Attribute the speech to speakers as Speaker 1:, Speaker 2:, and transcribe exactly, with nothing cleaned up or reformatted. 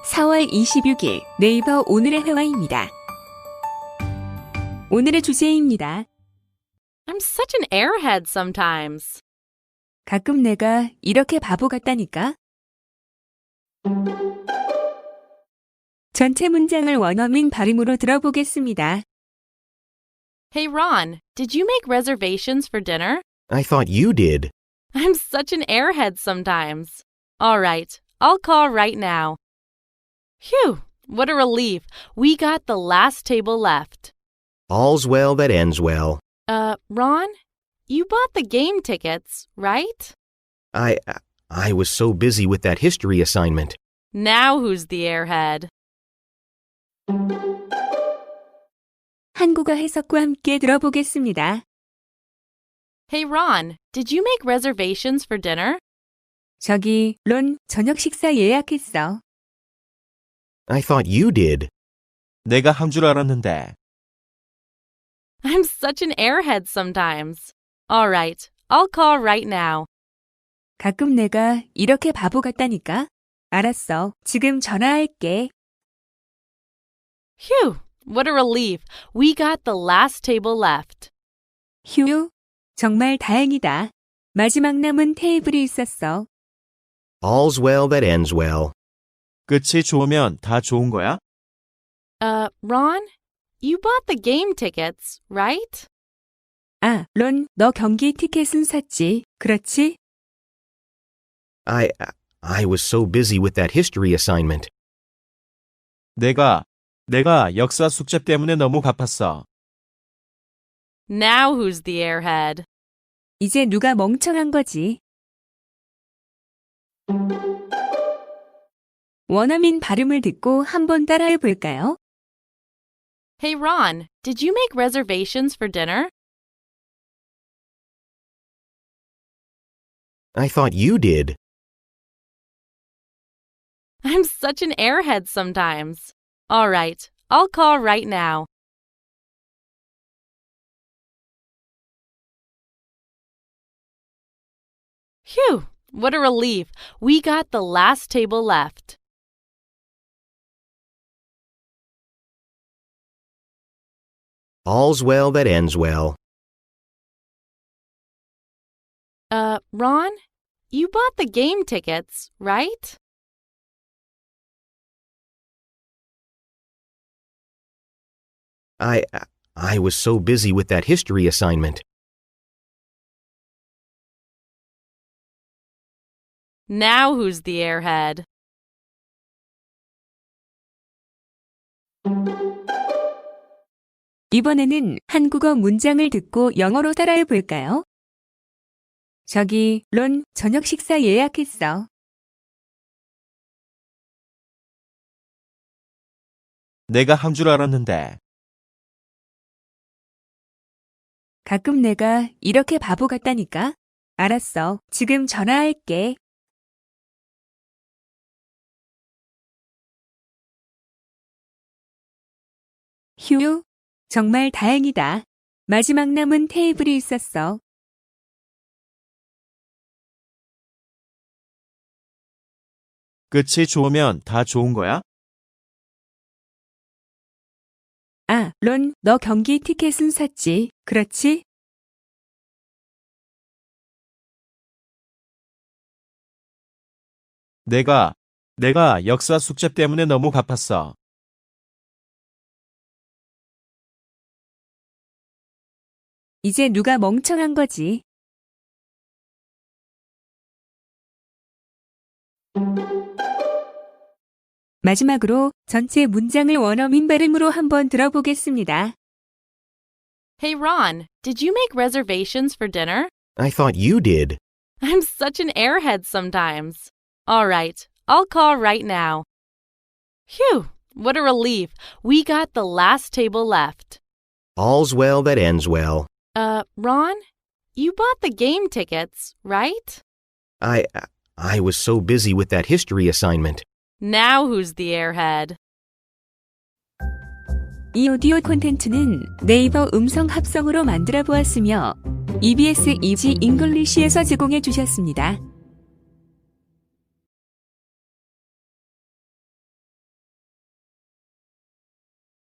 Speaker 1: 사월 이십육일 네이버 오늘의 회화입니다. 오늘의 주제입니다.
Speaker 2: I'm such an airhead sometimes.
Speaker 1: 가끔 내가 이렇게 바보 같다니까? 전체 문장을 원어민 발음으로 들어보겠습니다.
Speaker 2: Hey Ron, did you make reservations for dinner?
Speaker 3: I thought you did.
Speaker 2: I'm such an airhead sometimes. All right, I'll call right now. Phew, what a relief. We got the last table left.
Speaker 3: All's well that ends well.
Speaker 2: Uh, Ron, you bought the game tickets, right?
Speaker 3: I I was so busy with that history assignment.
Speaker 2: Now who's the airhead?
Speaker 1: 한국어 해석과 함께 들어보겠습니다.
Speaker 2: Hey Ron, did you make reservations for dinner?
Speaker 1: 저기, 론, 저녁 식사 예약했어.
Speaker 3: I thought you did.
Speaker 4: 내가 한 줄 알았는데.
Speaker 2: I'm such an airhead sometimes. All right, I'll call right now.
Speaker 1: 가끔 내가 이렇게 바보 같다니까? 알았어. 지금 전화할게.
Speaker 2: Phew, what a relief. We got the last table left.
Speaker 1: 휴, 정말 다행이다. 마지막 남은 테이블이 있었어.
Speaker 3: All's well that ends well.
Speaker 4: 끝이 좋으면 다 좋은 거야?
Speaker 2: Uh, Ron, you bought the game tickets, right?
Speaker 1: 아, 론, 너 경기 티켓은 샀지? 그렇지?
Speaker 3: I I was so busy with that history assignment.
Speaker 4: 내가, 내가 역사 숙제 때문에 너무 바빴어.
Speaker 2: Now who's the airhead?
Speaker 1: 이제 누가 멍청한 거지? 원어민 발음을 듣고 한번 따라해 볼까요?
Speaker 2: Hey Ron, did you make reservations for dinner?
Speaker 3: I thought you did.
Speaker 2: I'm such an airhead sometimes. All right, I'll call right now. Phew, what a relief. We got the last table left.
Speaker 3: All's well that ends well.
Speaker 2: Uh, Ron, you bought the game tickets, right?
Speaker 3: I I was so busy with that history assignment.
Speaker 2: Now who's the airhead?
Speaker 1: 이번에는 한국어 문장을 듣고 영어로 따라해 볼까요? 저기, 론, 저녁 식사 예약했어.
Speaker 4: 내가 한 줄 알았는데.
Speaker 1: 가끔 내가 이렇게 바보 같다니까? 알았어. 지금 전화할게. 휴, 정말 다행이다. 마지막 남은 테이블이 있었어.
Speaker 4: 끝이 좋으면 다 좋은 거야?
Speaker 1: 아, 론, 너 경기 티켓은 샀지? 그렇지?
Speaker 4: 내가, 내가 역사 숙제 때문에 너무 바빴어.
Speaker 1: 이제 누가 멍청한 거지? 마지막으로 전체 문장을 원어민 발음으로 한번 들어보겠습니다.
Speaker 2: Hey Ron, did you make reservations for dinner?
Speaker 3: I thought you did.
Speaker 2: I'm such an airhead sometimes. All right, I'll call right now. Phew, what a relief. We got the last table left.
Speaker 3: All's well that ends well.
Speaker 2: Uh, Ron, you bought the game tickets, right?
Speaker 3: I I was so busy with that history assignment.
Speaker 2: Now who's the airhead?
Speaker 1: 이 오디오 콘텐츠는 네이버 음성 합성으로 만들어 보았으며 이비에스 이지 잉글리시에서 제공해 주셨습니다.